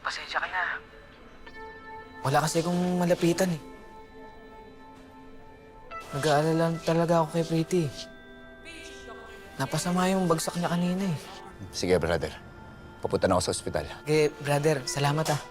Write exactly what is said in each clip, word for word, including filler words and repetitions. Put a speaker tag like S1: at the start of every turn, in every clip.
S1: Pasensya ka na. Wala kasi akong malapitan eh. Nag-aalala talaga ako kay Pretty. Napasama yung bagsak niya kanina eh.
S2: Sige, brother. Papunta na ako sa ospital.
S1: Okay, brother, salamat ah.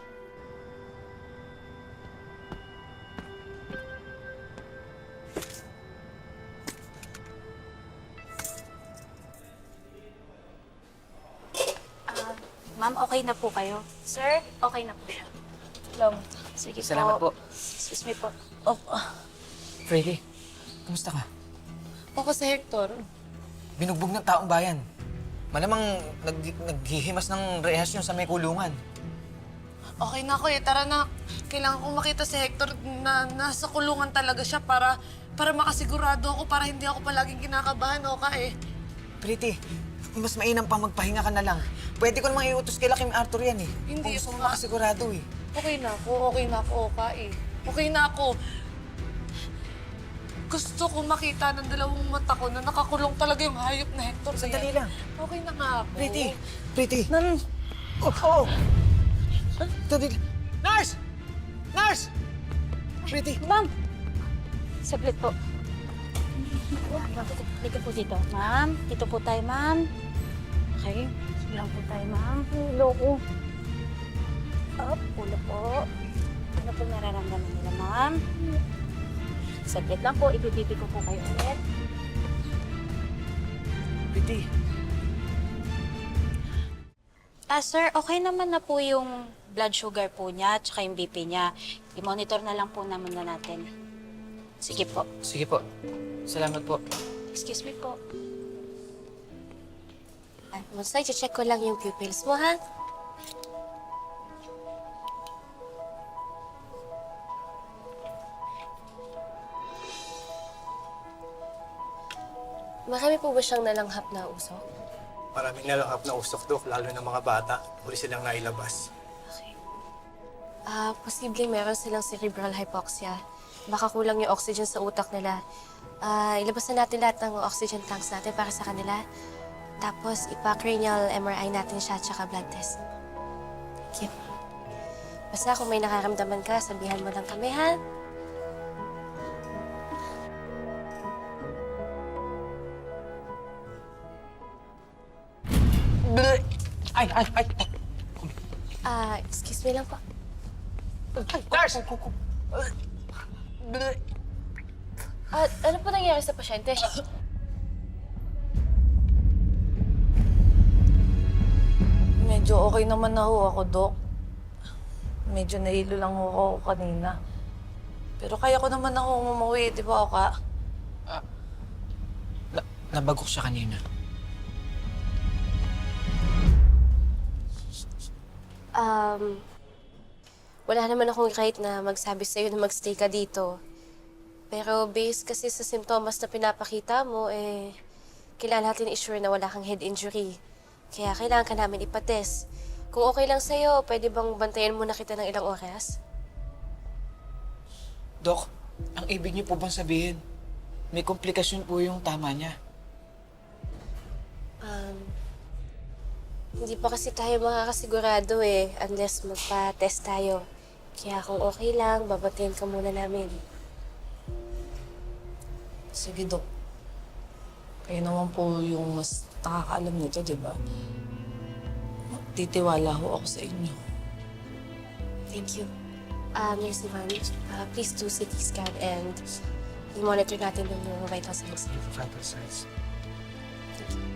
S3: Ah, ma'am, okay na po kayo? Sir, okay na po siya. Long. Sige
S1: Salamat po.
S3: Excuse me po.
S4: Oh,
S1: Pretty, kumusta ka?
S4: ako si Hector.
S1: Binugbog ng taong bayan. Malamang nag naghihimas ng rehasyon sa may kulungan.
S4: Okay na ako eh. Tara na. Kailangan kong makita si Hector na nasa kulungan talaga siya para para makasigurado ako, para hindi ako palaging kinakabahan o ka eh.
S1: Pretty, mas mainam pa magpahinga ka na lang. Pwede ko namang iutos kay Lakim Arthur yan eh.
S4: Hindi
S1: Kung gusto
S4: ako
S1: mo
S4: nga.
S1: makasigurado eh.
S4: Okay na ako. Okay na ako, Oka eh. Okay na ako. Gusto ko makita ng dalawang mata ko na nakakulong talaga yung hayop na Hector. na
S1: Sandali
S4: yan.
S1: lang.
S4: Okay na nga ako.
S1: Pretty, Pretty.
S4: Nan...
S1: Oh, oh. Sandali. Nurse! Nurse! Pretty.
S3: Ma'am! Saglit po. Halika po dito. Ma'am, dito po tayo, ma'am. Okay. Sige lang po tayo, ma'am. Ulo ko. Up, ulo po. Ano po nararamdaman nila, ma'am? Saglit lang po. Ibibibi ko po kayo ulit.
S1: Pretty.
S3: Ah, sir, okay naman na po yung blood sugar po niya at saka yung B P niya. I-monitor na lang po naman na natin. Sige po.
S1: Sige po. Salamat po.
S3: Excuse me po.
S5: Ay, basta i-check ko lang yung pupils mo, ha? Marami po ba siyang nalanghap na usok?
S6: Maraming nalanghap na usok, Dok, lalo ng mga bata. Huli silang nailabas.
S5: Okay. Ah, posibleng meron silang cerebral hypoxia. Baka kulang yung oxygen sa utak nila. Ah, ilabas na natin lahat ng oxygen tanks natin para sa kanila. Tapos, ipa-cranial M R I natin siya at saka blood test. Thank you. Basta kung may nakaramdaman ka, sabihan mo lang kami, ha?
S1: Ay, ay, ay.
S5: Ah, excuse me lang po.
S1: Nurse!
S5: Ah, ano po nangyari sa pasyente?
S4: Medyo okay naman na ho ako, Dok. Medyo nahilo lang ho ako kanina. Pero kaya ko naman ako umuwi, di ba, Oka?
S1: Na nabagok siya kanina.
S5: Um, wala naman akong right na magsabi sa'yo na magstay ka dito. Pero based kasi sa simptomas na pinapakita mo, eh, kailangan natin i-sure na wala kang head injury. Kaya kailangan ka namin ipatest. Kung okay lang sa'yo, pwede bang bantayan muna kita ng ilang oras?
S1: Dok, ang ibig niyo po bang sabihin, may komplikasyon po yung tama niya?
S5: Um, hindi pa kasi tayo makakasigurado eh, unless magpa-test tayo. Kaya kung okay lang, babantayan ka muna namin.
S4: Sige, Dok. Kayo naman po yung mas nakakaalam nito, di ba? Titiwala ho ako sa inyo.
S5: Thank you. Uh, Nurse Ivan, uh, please do C T scan and i-monitor natin yung vital signs.
S6: Vital signs.
S5: Thank you.